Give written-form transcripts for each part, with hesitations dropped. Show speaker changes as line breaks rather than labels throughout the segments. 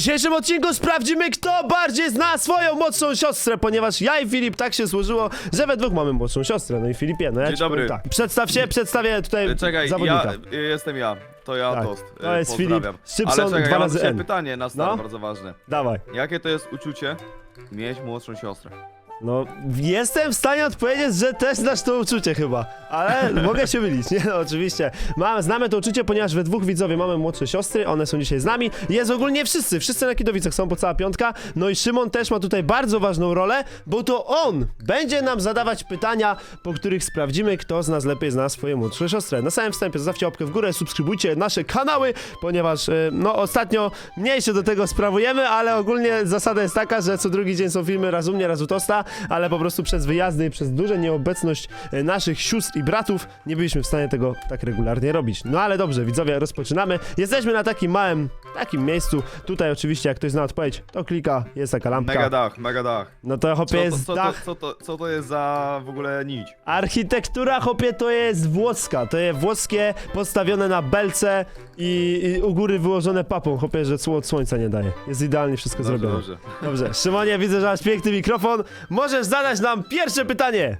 dzisiejszym odcinku sprawdzimy, kto bardziej zna swoją młodszą siostrę, ponieważ ja i Filip tak się złożyło, że we dwóch mamy młodszą siostrę. No i Filipie, no ja
Dzień
ci powiem
dobry.
tak. Przedstaw się, przedstawię tutaj
Czekaj,
zawodnika.
jestem ja. To ja,
Tak,
Toast.
to jest
Pozdrawiam.
Filip Szczypson,
Ale czekaj,
2
ja mam
razy
dzisiaj
N.
pytanie na start,
No.
bardzo ważne.
Dawaj.
Jakie to jest uczucie mieć młodszą siostrę?
No, jestem w stanie odpowiedzieć, że też znasz to uczucie chyba, ale mogę się mylić, nie? No, oczywiście. Znamy to uczucie, ponieważ we dwóch widzowie mamy młodsze siostry, one są dzisiaj z nami. Jest ogólnie wszyscy na Kidowicach są po cała piątka, no i Szymon też ma tutaj bardzo ważną rolę, bo to on będzie nam zadawać pytania, po których sprawdzimy, kto z nas lepiej zna swoje młodsze siostry. Na samym wstępie zostawcie łapkę w górę, subskrybujcie nasze kanały, ponieważ, no, ostatnio mniej się do tego sprawujemy, ale ogólnie zasada jest taka, że co drugi dzień są filmy raz u mnie, raz u Tosta, ale po prostu przez wyjazdy i przez dużą nieobecność naszych sióstr i bratów nie byliśmy w stanie tego tak regularnie robić. No ale dobrze, widzowie, rozpoczynamy. Jesteśmy na takim małym, miejscu. Tutaj oczywiście, jak ktoś zna odpowiedź, to klika, jest taka lampka.
Mega dach.
No to hopie jest dach.
Co to jest za w ogóle nić?
Architektura, hopie, to jest włoska. To jest włoskie, postawione na belce i u góry wyłożone papą, hopie, że od słońca nie daje. Jest idealnie wszystko zrobione.
Dobrze.
Dobrze, Szymonie, widzę, że masz piękny mikrofon. Możesz zadać nam pierwsze pytanie.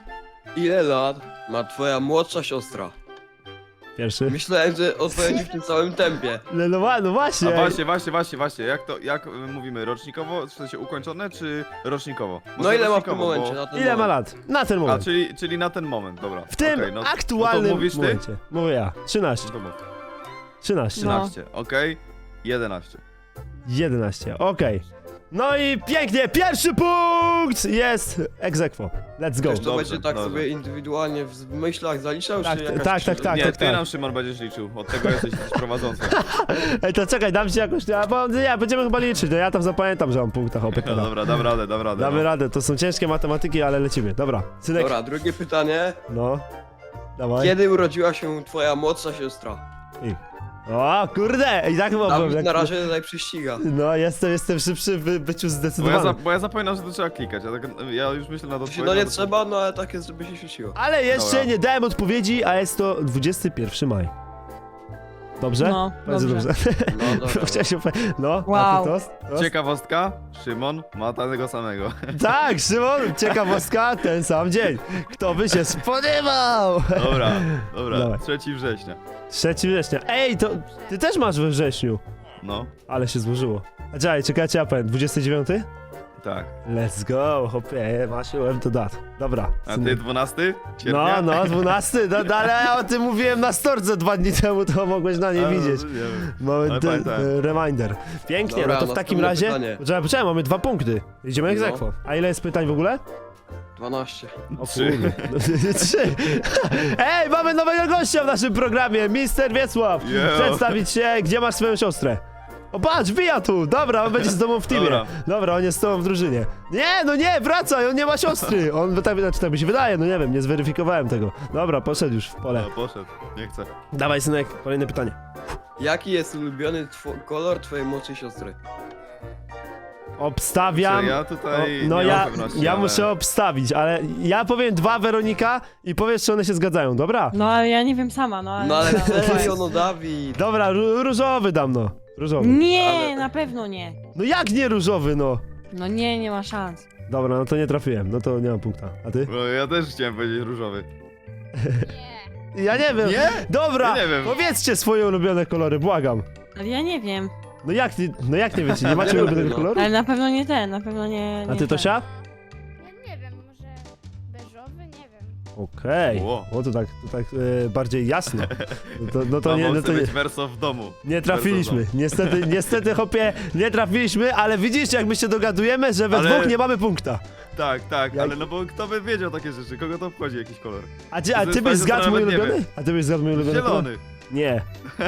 Ile lat ma twoja młodsza siostra?
Pierwszy.
Myślałem, że odpowiedzi w tym samym tempie.
No właśnie.
A właśnie, jak mówimy, rocznikowo, w sensie ukończone, czy rocznikowo?
No
Może
ile ma w tym
rocznikowo,
momencie?
bo-
Na ten
Ile ma
moment?
lat? Na ten
A,
moment.
czyli na ten moment, dobra.
W tym
Okej, no
aktualnym
to mówisz ty?
momencie. Mówię ja. 13.
No to mów.
13.
No.
13, okej. 11.
11. Okej. No i pięknie. Pierwszy punkt jest ex aequo. Let's go.
Wiesz, to
Dobrze,
będzie tak
dobrze.
sobie indywidualnie w myślach zaliczał,
Tak,
czy jakaś
tak,
krzyżówka?
tak,
Nie,
tak,
ty
tak.
nam, Szymon, będziesz liczył. Od tego jesteś prowadzący.
Ej, to czekaj, dam ci jakoś. Bo nie, będziemy chyba liczyć. No ja tam zapamiętam, że mam punktach
No
opiekę.
dobra, dam radę.
Damy
no.
radę. To są ciężkie matematyki, ale lecimy. Dobra. Synek.
Dobra, drugie pytanie.
No. Dawaj.
Kiedy urodziła się twoja młodsza siostra?
O, kurde! I tak chyba byłem.
Dawid na razie tutaj przyściga.
No, jestem szybszy w byciu zdecydowanym.
Bo ja zapominam, że to trzeba klikać. Ja już myślę nad odpowiedzią.
No nie trzeba, no ale tak jest, żeby się świeciło.
Ale jeszcze
Dobra.
nie dałem odpowiedzi, a jest to 21 maj. Dobrze?
No,
Bardzo
dobrze.
No dobra.
Chciałem się No,
Wow.
a ty tost?
Ciekawostka, Szymon ma tego samego.
Tak, Szymon, ciekawostka, ten sam dzień. Kto by się spodziewał?
Dobra,
Dawaj.
3 września.
3 września. Ej, to ty też masz we wrześniu.
No,
Ale się złożyło. A czekajcie, ja powiem, 29?
tak.
Let's go, hopie, masz łeb do dat. Dobra.
A
synek.
ty 12 sierpnia?
No, 12, ale ja o tym mówiłem na storce 2 dni temu, to mogłeś na nie
A, no,
widzieć.
nie wiem.
Mamy
Ale pamiętałem.
reminder. Pięknie,
Dobra,
no to w takim
następne
razie.
pytanie.
Poczekaj, mamy 2 punkty. Idziemy jak
No.
egzekwo. A ile jest pytań w ogóle?
12.
O
3.
kurde. 3. Ej, mamy nowego gościa w naszym programie, Mister Wiesław.
Yo.
Przedstawić się, gdzie masz swoją siostrę? O patrz, wbija tu! Dobra, on będzie z tobą w teamie. Dobra, on jest z tobą w drużynie. Nie, wracaj, on nie ma siostry. On tak mi się wydaje, no nie wiem, nie zweryfikowałem tego. Dobra, poszedł już w pole.
No, poszedł, nie chcę.
Dawaj, synek, kolejne pytanie.
Jaki jest ulubiony kolor twojej młodszej siostry?
Obstawiam.
Ja tutaj
no
nie
ja,
mam pewności,
ja
ale...
muszę obstawić, ale ja powiem 2 Weronika i powiesz, czy one się zgadzają, dobra?
No ale ja nie wiem sama, no ale...
No ale
dobra.
serio, no Dawid.
Dobra, różowy dam, no. Różowy.
Nie,
Ale-
na pewno nie.
No jak nie różowy, no?
No nie ma szans.
Dobra, no to nie trafiłem, no to nie mam punkta. A ty?
No, ja też chciałem powiedzieć różowy.
Ja nie wiem.
Nie?
Dobra,
Ja nie wiem.
powiedzcie swoje ulubione kolory, błagam.
Ale ja nie wiem.
No jak nie wiecie, nie macie
Nie
ulubionego
wiem, no.
koloru?
Ale na pewno nie ten, na pewno nie...
A
nie
ty, Tosia?
Ja nie wiem, może beżowy, nie wiem.
Okej.
Ło.
O, to tak bardziej jasno. No to nie, no to nie.
być werso w domu.
Nie trafiliśmy. Niestety, hopie, nie trafiliśmy, ale widzisz, jak my się dogadujemy, że we
Ale-
dwóch nie mamy punkta.
Tak,
Jak-
ale no bo kto by wiedział takie rzeczy? Kogo to obchodzi jakiś kolor?
A
To
ty
jest
byś
fajne,
zgadł
że
mój
nawet nie
ulubiony? A ty byś zgadł mój ulubiony kolor?
Zielony.
Nie.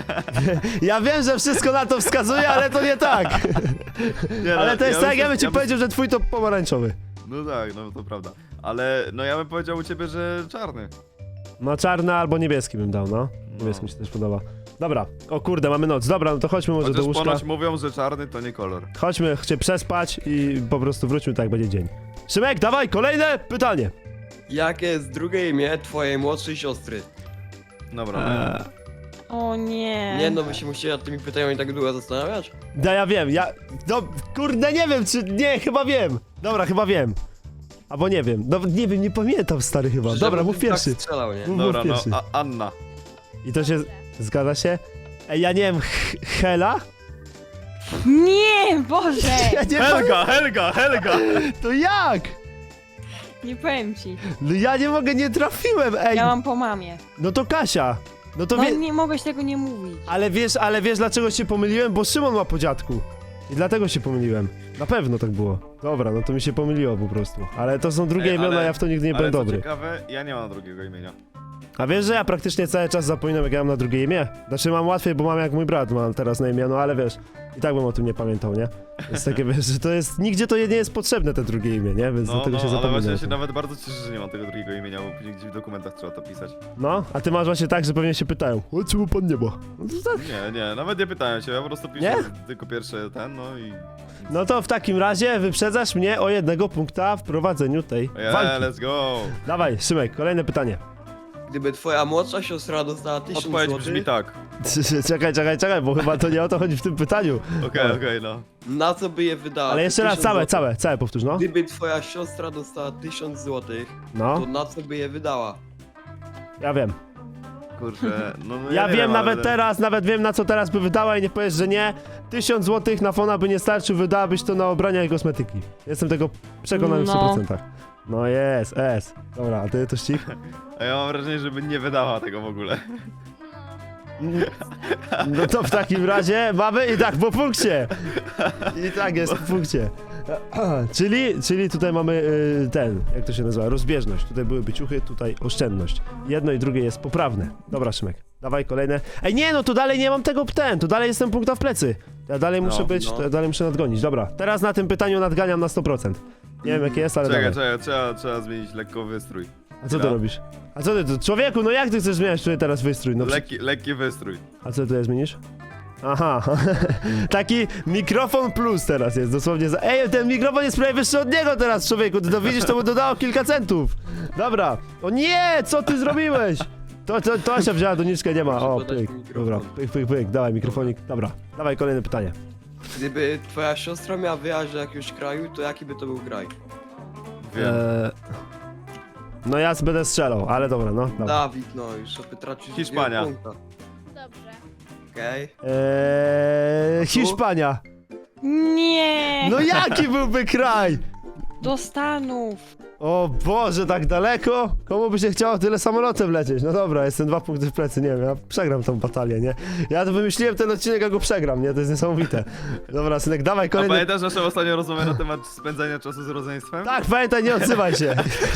Ja wiem, że wszystko na to wskazuje, ale to nie tak.
Nie,
Ale to jest tak, ja bym ci
bym-
powiedział, że twój to pomarańczowy.
No tak, no to prawda. Ale no ja bym powiedział u ciebie, że czarny.
No czarny albo niebieski bym dał, no. Niebieski mi się też podoba. Dobra, o kurde, mamy noc. Dobra, no to chodźmy może do
Chociaż
łóżka.
ponoć mówią, że czarny to nie kolor.
Chodźmy się przespać i po prostu wróćmy tak, jak będzie dzień. Szymek, dawaj, kolejne pytanie.
Jakie jest drugie imię twojej młodszej siostry?
Dobra.
O nie.
Nie no, wy się musicie nad tymi pytaniami tak długo zastanawiać?
No ja wiem, no kurde nie wiem czy, nie, chyba wiem. Dobra, chyba wiem. Albo nie wiem, no nie wiem, nie pamiętam stary chyba. Dobra,
Żebym
mów pierwszy.
Tak strzelał, nie?
Mów
Dobra, no,
pierwszy.
Anna.
I to się, zgadza się? Ej, ja nie wiem, Hela?
Nie, Boże!
Ja nie pamiętam,
Helga!
to jak?
Nie powiem ci.
No ja nie mogę, nie trafiłem, ej.
Ja mam po mamie.
No to Kasia. No to
No
wie...
nie mogłeś tego nie mówić.
Ale wiesz dlaczego się pomyliłem? Bo Szymon ma po dziadku. I dlatego się pomyliłem. Na pewno tak było. Dobra, no to mi się pomyliło po prostu. Ale to są drugie
Ej,
imiona,
ale-
ja w to nigdy nie
Ale
będę
co
dobry.
ciekawe, ja nie mam drugiego imienia.
A wiesz, że ja praktycznie cały czas zapominam, jak ja mam na drugie imię? Znaczy mam łatwiej, bo mam jak mój brat mam teraz na imię, no ale wiesz, i tak bym o tym nie pamiętał, nie? Jest takie, wiesz, że to jest, nigdzie to nie jest potrzebne te drugie imię, nie? Więc
No,
dlatego się
ale
zapomina.
właśnie
o
ja się
tym.
nawet bardzo cieszę, że nie mam tego drugiego imienia, bo później gdzieś w dokumentach trzeba to pisać.
No, a ty masz właśnie tak, że pewnie się pytają, o czemu pan nie ma? No to tak.
Nie, nawet nie pytałem się, ja po prostu piszę
Nie?
tylko pierwsze no i...
No to w takim razie wyprzedzasz mnie o 1 punkta w prowadzeniu tej walki.
let's go!
Dawaj, Szymek, kolejne pytanie.
Gdyby twoja młodsza siostra dostała 1000
Odpowiedź
złotych,
brzmi tak.
Czekaj, bo chyba to nie o to chodzi w tym pytaniu.
Okej, no.
na co by je wydała?
Ale jeszcze raz,
1000 złotych.
całe powtórz, no.
Gdyby twoja siostra dostała 1000 złotych,
No,
to na co by je wydała?
ja wiem.
Kurczę, no
Ja
nie
wiem
ale-
nawet teraz, nawet wiem na co teraz by wydała i nie powiesz, że nie. 1000 złotych na fona by nie starczył, wydałabyś to na ubrania i kosmetyki. Jestem tego przekonany w
No.
100%. No jest, S. Dobra, a ty to ścig?
A ja mam wrażenie, żeby nie wydała tego w ogóle.
No to w takim razie mamy i tak po punkcie. I tak jest po punkcie. Czyli tutaj mamy jak to się nazywa, rozbieżność. Tutaj byłyby ciuchy, tutaj oszczędność. Jedno i drugie jest poprawne. Dobra, Szymek, dawaj kolejne. Ej, nie, no tu dalej nie mam tego tu dalej jestem punkta w plecy. Ja dalej muszę być,
no.
ja dalej muszę nadgonić. Dobra, teraz na tym pytaniu nadganiam na 100%. Nie wiem jakie jest, ale
Czekaj,
dawaj.
trzeba zmienić lekko wystrój.
A co ty
No.
robisz? A co ty, człowieku, no jak ty chcesz zmieniać tutaj teraz wystrój? No,
Lekki wystrój.
a co ty zmienisz? Aha, taki mikrofon plus teraz jest, dosłownie za... Ej, ten mikrofon jest prawie wyższy od niego teraz, człowieku, ty to widzisz, to mu dodało kilka centów. Dobra, o nie, co ty zrobiłeś? To się wzięła, doniczkę nie ma,
Muszę
o,
podać
pyk,
mikrofon.
dobra, pyk, dawaj mikrofonik, dobra, dawaj kolejne pytanie.
Gdyby twoja siostra miała wyjechać do jakiegoś kraju, to jaki by to był kraj?
Wiem.
No ja będę strzelał, ale dobra, no, dobra.
Dawid, no już sobie tracisz
Hiszpania.
drugiego punkta.
Dobrze.
Okej.
Hiszpania.
Nie!
No jaki byłby kraj?
Do Stanów.
O Boże, tak daleko? Komu by się chciało tyle samolotem lecieć? No dobra, jestem 2 punkty w plecy, nie wiem, ja przegram tą batalię, nie? Ja to wymyśliłem ten odcinek, a go przegram, nie? To jest niesamowite. Dobra, synek, dawaj
A
kolejny...
pamiętasz naszą ostatnią rozmowę na temat spędzania czasu z rodzeństwem?
Tak, pamiętaj, nie odzywaj się.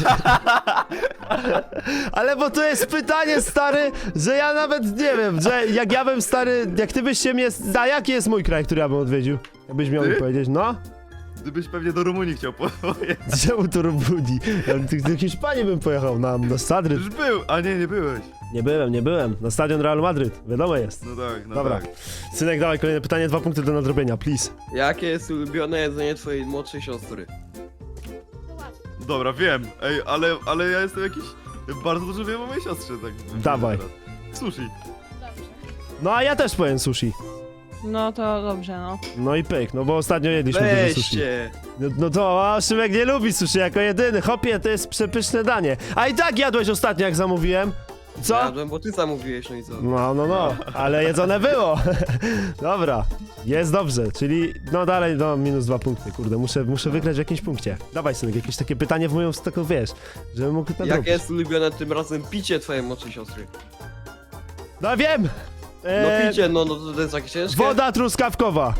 Ale bo to jest pytanie, stary, że ja nawet nie wiem, że jak ja bym, stary, jak ty byś się mnie... A jaki jest mój kraj, który ja bym odwiedził? Jakbyś miał mi
Ty?
powiedzieć, no?
Gdybyś pewnie do Rumunii chciał pojechać.
Czemu to Rumunii? Ja do Hiszpanii bym pojechał, na Madryt.
Już był, a nie byłeś.
Nie byłem. Na stadion Realu Madryt, wiadomo jest.
No tak, no
Dobra.
tak.
Synek, dawaj kolejne pytanie, 2 punkty do nadrobienia, please.
Jakie jest ulubione jedzenie twojej młodszej siostry?
To łatwo.
Dobra, wiem. Ej, ale ja jestem jakiś... Bardzo dużo wiem o mojej siostrze, tak.
Dawaj.
teraz. Sushi.
Dobrze.
No a ja też powiem sushi.
No to dobrze, no.
No i pyk, no bo ostatnio jedliśmy dużo sushi.
Weźcie!
No to, a Szymek nie lubi sushi jako jedyny. Hopie, to jest przepyszne danie. A i tak jadłeś ostatnio, jak zamówiłem. Co?
Jadłem, bo ty zamówiłeś, no i co?
No, ale jedzone było. Dobra, jest dobrze, czyli no dalej, no minus 2 punkty, kurde, muszę wygrać w jakimś punkcie. Dawaj, synek, jakieś takie pytanie w moją taką, wiesz, żebym mógł nadrobić.
Jakie jest ulubione tym razem picie twojej młodszej siostry?
No wiem!
No picie, no to jest takie ciężkie?
Woda truskawkowa.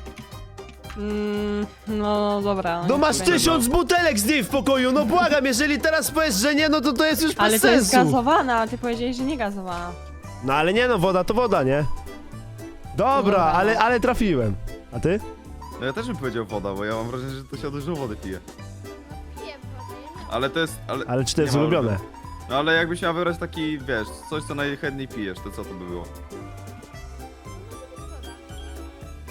No dobra.
No
niech
masz
będzie.
1000 butelek z niej w pokoju, no błagam, jeżeli teraz powiesz, że nie, no to jest już bez
Ale to jest
sensu.
gazowana, a ty powiedziałeś, że nie gazowana.
No ale nie no, woda to woda, nie? Dobra,
Dobra.
ale trafiłem. A ty?
No ja też bym powiedział woda, bo ja mam wrażenie, że to się dużo wody pije.
Piję wodę.
Ale to jest...
Ale czy to jest
nie ma
ulubione?
No ale jakbyś miał wybrać taki, wiesz, coś co najchętniej pijesz, to co to by było?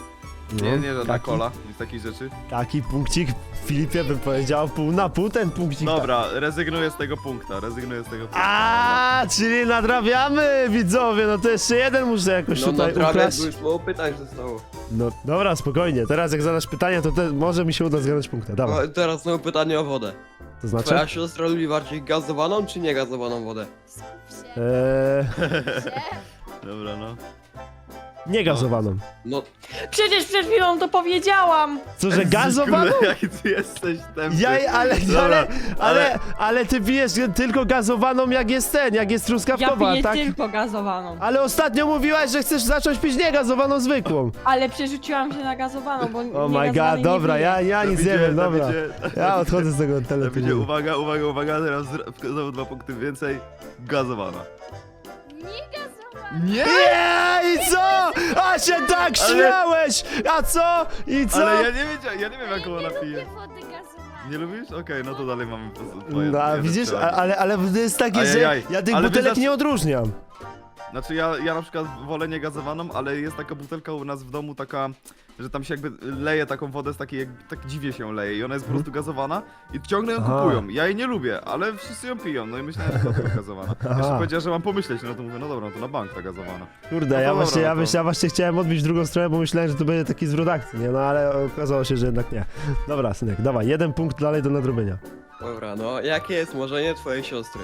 Nie, żadna
taki,
kola, nic takich rzeczy.
Taki punkcik Filipie bym powiedział pół na pół ten punkcik.
Dobra, rezygnuję z tego punkta, rezygnuję z tego punkta.
A, czyli nadrabiamy, widzowie, no to jeszcze jeden muszę jakoś
No
tutaj
prawie,
ukraść.
bo już mało pytań zostało.
No dobra, spokojnie, teraz jak zadasz pytanie, to może mi się uda zgadać punkta, dawaj.
O, teraz znowu pytanie o wodę.
To znaczy?
Twoja siostra lubi bardziej gazowaną czy niegazowaną wodę?
Skup się.
Eee,
się.
Dobra, no.
niegazowaną.
No,
Przecież przed chwilą to powiedziałam!
Co, że gazowaną?
Kurde, jaki ty jesteś tępy.
Ja,
Dobra,
ale ty pijesz tylko gazowaną jak jest jak jest
Ja
truskawkowa,
piję
tak?
tylko gazowaną.
Ale ostatnio mówiłaś, że chcesz zacząć pić niegazowaną zwykłą.
Ale przerzuciłam się na gazowaną, bo
Oh my
niegazowanej
god, dobra,
nie piję.
ja nic nie wiem, dobra. Ja odchodzę z tego
To będzie,
teleturnieju.
uwaga, teraz znowu 2 punkty więcej. Gazowana.
Nie gazowana.
Nie!
Nie, i co? A się tak
Ale-
śmiałeś! A co? I co?
Ale ja nie wiem jaką
Nie
ona
lubię
pije.
wody gazowanej.
Nie lubisz? Okej, no to dalej mamy po prostu
No, a widzisz, ale to jest takie, że
Ajajaj.
ja tych
Ale
butelek
wy
nie odróżniam.
Znaczy ja na przykład wolę niegazowaną, ale jest taka butelka u nas w domu taka, że tam się jakby leje taką wodę z takiej, tak dziwnie się leje i ona jest po prostu gazowana i ciągle ją
Aha.
kupują. Ja jej nie lubię, ale wszyscy ją piją, no i myślałem, że to tylko gazowana.
Aha.
Jeszcze powiedziała, że mam pomyśleć, no to mówię, no dobra, no to na bank ta gazowana.
Kurde,
No to
ja
dobra,
właśnie,
no to-
ja właśnie chciałem odbić w drugą stronę, bo myślałem, że to będzie taki zwrot akcji, nie? No ale okazało się, że jednak nie. Dobra, synek, dawaj, 1 punkt dalej do nadrobienia.
dobra, no jakie jest marzenie twojej siostry?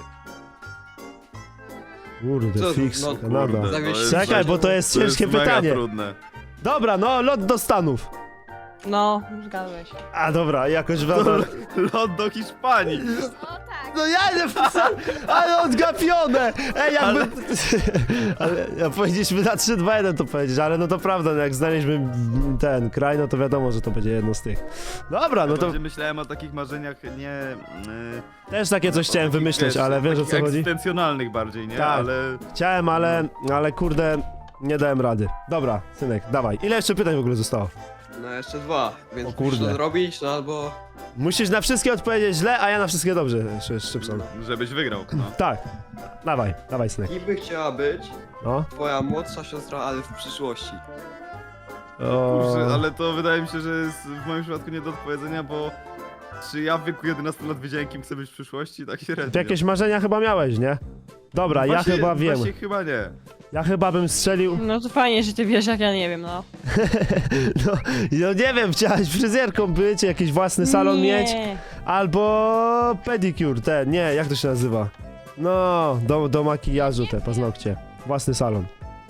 Kurde,
Co,
fix,
no,
Kanada.
kurde.
to jest-
Czekaj, bo to jest ciężkie
mega
pytanie.
trudne.
Dobra, no, lot do Stanów.
No, zgadłeś.
A dobra, jakoś wam...
Lot do Hiszpanii.
O tak.
No ja nie wpisałem, ale odgapione! Ej, jakby... Ale ja powiedzieliśmy na 3, 2, 1 to powiedzieć, ale no to prawda, no jak znaleźliśmy ten kraj, no to wiadomo, że to będzie jedno z tych. Dobra, no to
Bardziej myślałem o takich marzeniach, nie...
też takie coś chciałem
takich,
wymyśleć,
wiesz,
ale wiesz o co
takich
chodzi?
egzystencjonalnych bardziej, nie?
Tak.
Ale...
Chciałem, ale kurde, nie dałem rady. Dobra, synek, dawaj. Ile jeszcze pytań w ogóle zostało?
No jeszcze 2, więc
O kurde.
musisz to zrobić, no albo...
Musisz na wszystkie odpowiedzieć źle, a ja na wszystkie dobrze, Szybson.
Żebyś wygrał, no.
Tak, dawaj, synek.
Kim by chciała być
No.
twoja młodsza siostra, ale w przyszłości?
Kurczę,
O...
ale to wydaje mi się, że jest w moim przypadku nie do odpowiedzenia, bo czy ja w wieku 11 lat wiedziałem, kim chcę być w przyszłości? Tak średnio.
Jakieś marzenia chyba miałeś, nie? Dobra, ja
Właśnie-
chyba wiem.
Właśnie chyba nie.
Ja chyba bym strzelił...
No to fajnie, że ty wiesz, jak ja nie wiem, no.
No nie wiem, chciałaś fryzjerką być, jakiś własny salon
nie.
mieć, albo pedicure, nie, jak to się nazywa? No, do makijażu te paznokcie. Własny salon.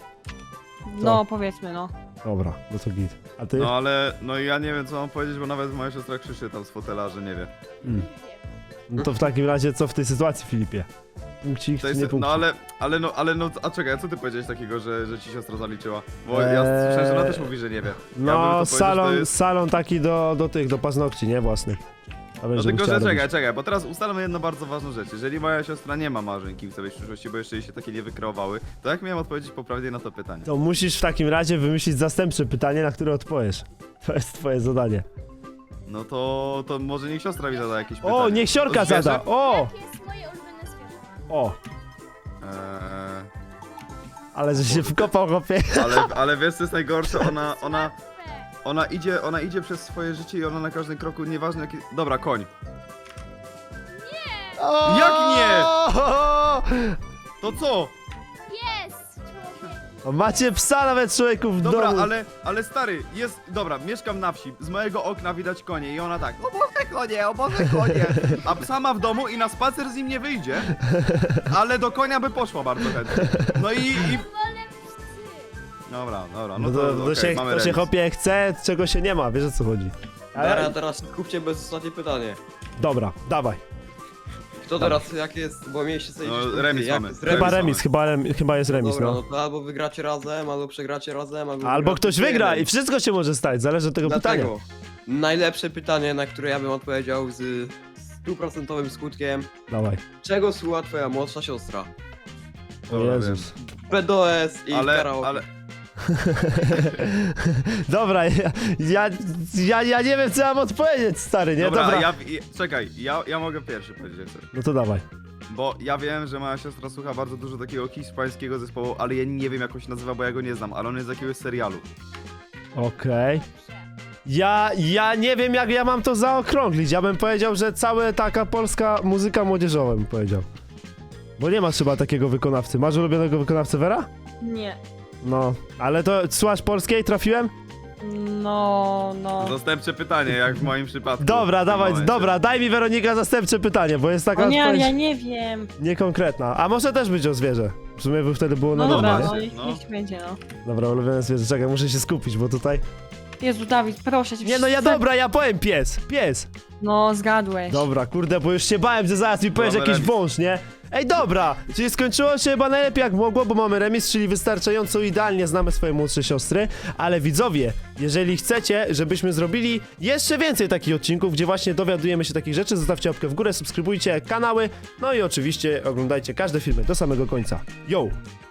No, powiedzmy, no.
Dobra, no to git. A ty?
No ale, no ja nie wiem co mam powiedzieć, bo nawet moja siostra krzyczy tam z fotela, że nie wie.
Mm. No to w takim razie co w tej sytuacji, Filipie? Punkcik
To
czy
jest,
nie punkcik?
no, a czekaj, a co ty powiedziałeś takiego, że ci siostra zaliczyła? Bo ja słyszałem, że ona też mówi, że nie wie. Ja bym to
No,
powiedział, że to jest...
salon taki do paznokci, nie? Własnych. A
No
będzie
tylko,
chciała
że
robić.
czekaj, bo teraz ustalmy jedną bardzo ważną rzecz. Jeżeli moja siostra nie ma marzeń, kim chce być w przyszłości, bo jeszcze jej się takie nie wykreowały, to jak miałem odpowiedzieć poprawnie na to pytanie?
To musisz w takim razie wymyślić zastępcze pytanie, na które odpowiesz. To jest twoje zadanie.
No to może niech siostra mi zada jakieś pytanie.
O, niech siorka
O zwierzę?
zada! O!
Jakie jest moje ulubione zwierzę?
O!
Eee,
Ale że się wkopał, chłopie.
ale wiesz co jest najgorsze, ona
Łatwe.
ona idzie przez swoje życie i ona na każdym kroku, nieważne jaki... Dobra, koń.
O!
Jak nie? To co?
Jest, człowiek.
O, macie psa nawet, człowieku, w
Dobra,
domu.
ale stary, jest... Dobra, mieszkam na wsi, z mojego okna widać konie i ona tak, o Boże konie, a psa ma w domu i na spacer z nim nie wyjdzie, ale do konia by poszła bardzo chętnie. No i...
Wolę psy.
Dobra,
No
no
to,
to,
to
okej,
się,
mamy
to się
remis.
chłopie chce, czego się nie ma, wiesz o co chodzi.
Dara, teraz kupcie bez ostatnie pytanie.
Dobra, dawaj.
Kto teraz, jakie jest, bo mieliście sobie
No,
gdzieś punkty,
remis
jak
mamy.
jest
Chyba
Remis
remis, chyba jest remis,
Dobra,
no.
no to albo wygracie razem, albo przegracie razem, albo...
Albo
wygracie
ktoś wygra
jeden.
i wszystko się może stać, zależy od tego pytania.
Dlatego najlepsze pytanie, na które ja bym odpowiedział z 100% skutkiem.
Dawaj.
Czego słucha twoja młodsza siostra?
O
Dobra,
Jezus.
PDOS i
Ale,
karaoke.
ale...
Dobra, ja nie wiem co mam odpowiedzieć, stary, nie?
Dobra, czekaj, ja mogę pierwszy powiedzieć coś.
No to dawaj.
Bo ja wiem, że moja siostra słucha bardzo dużo takiego hiszpańskiego zespołu, ale ja nie wiem jak on się nazywa, bo ja go nie znam, ale on jest z jakiegoś serialu.
Okej. Ja nie wiem, jak ja mam to zaokrąglić. Ja bym powiedział, że cała taka polska muzyka młodzieżowa, bym powiedział. Bo nie masz chyba takiego wykonawcy. Masz ulubionego wykonawcę, Vera?
Nie.
No, ale to słuchasz polskiej? Trafiłem?
No.
Zastępcze pytanie, jak w moim przypadku.
Dobra,
w tym
dawaj,
momencie.
dobra, daj mi Weronika zastępcze pytanie, bo jest taka
O nie, ale
odpowiedź
ja nie wiem.
niekonkretna. A może też być o zwierzę. W sumie by wtedy było
No
na
dobra,
dobre,
no
nie?
niech
No.
niech będzie, no.
Dobra, ulubione zwierzę. Czekaj, muszę się skupić, bo tutaj...
Jezu, Dawid, proszę cię.
Nie no, ja
wszyscy-
dobra, ja powiem pies. Pies.
No, zgadłeś.
Dobra, kurde, bo już się bałem, że zaraz mi powiesz
Mamy
jakiś
remis.
wąż, nie? Ej, dobra, czyli skończyło się chyba najlepiej jak mogło, bo mamy remis, czyli wystarczająco idealnie znamy swoje młodsze siostry, ale widzowie, jeżeli chcecie, żebyśmy zrobili jeszcze więcej takich odcinków, gdzie właśnie dowiadujemy się takich rzeczy, zostawcie łapkę w górę, subskrybujcie kanały, no i oczywiście oglądajcie każde filmy do samego końca. Yo!